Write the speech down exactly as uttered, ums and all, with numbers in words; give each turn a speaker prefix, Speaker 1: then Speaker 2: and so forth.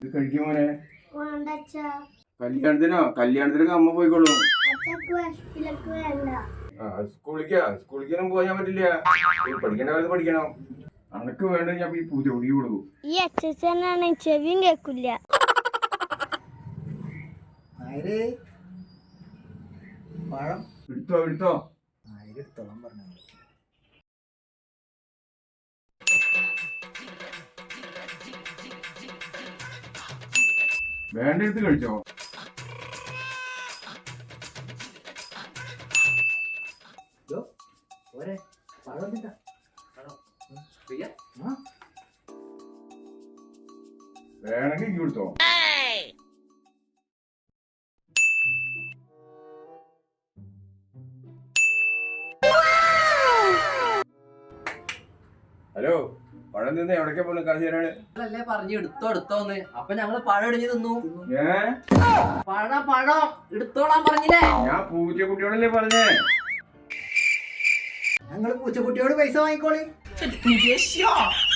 Speaker 1: ഇത് കഴിക്കുമോനെ? കല്യാണത്തിനോ? കല്യാണത്തിനൊക്കെ അമ്മ പോയിക്കോളൂ. സ്കൂളിക്കാ സ്കൂളിക്കൊന്നും പോയാൻ പറ്റില്ല. പഠിക്കേണ്ട കാലത്ത് പഠിക്കണം. അനക്ക് വേണ്ട ഞാൻ ഈ പൂജ ഒടുക്കി കൊടുക്കും.
Speaker 2: ഈ അച്ഛനാണ് ചെവിയും കേൾക്കില്ല.
Speaker 1: എടുത്തോ എടുത്തോ
Speaker 3: എടുത്തോളാൻ പറഞ്ഞു.
Speaker 1: വേണ്ട എടുത്ത് കഴിച്ചോ. വേണമെങ്കിൽ കൊടുത്തോ. ഹലോ, പഴം തിന്ന് എവിടേക്കാ പോലും കാശ് തരാണ്?
Speaker 3: അല്ലേ പറഞ്ഞു എടുത്തോ എടുത്തോന്ന്. അപ്പൊ ഞങ്ങള് പഴം ഇടിഞ്ഞു തിന്നു.
Speaker 1: ഏ
Speaker 3: പഴം പഴം എടുത്തോളാൻ പറഞ്ഞില്ലേ?
Speaker 1: ഞാൻ പൂച്ചക്കുട്ടിയോടല്ലേ പറഞ്ഞേ.
Speaker 3: ഞങ്ങള് പൂച്ചക്കുട്ടിയോട് പൈസ വാങ്ങിക്കോളി.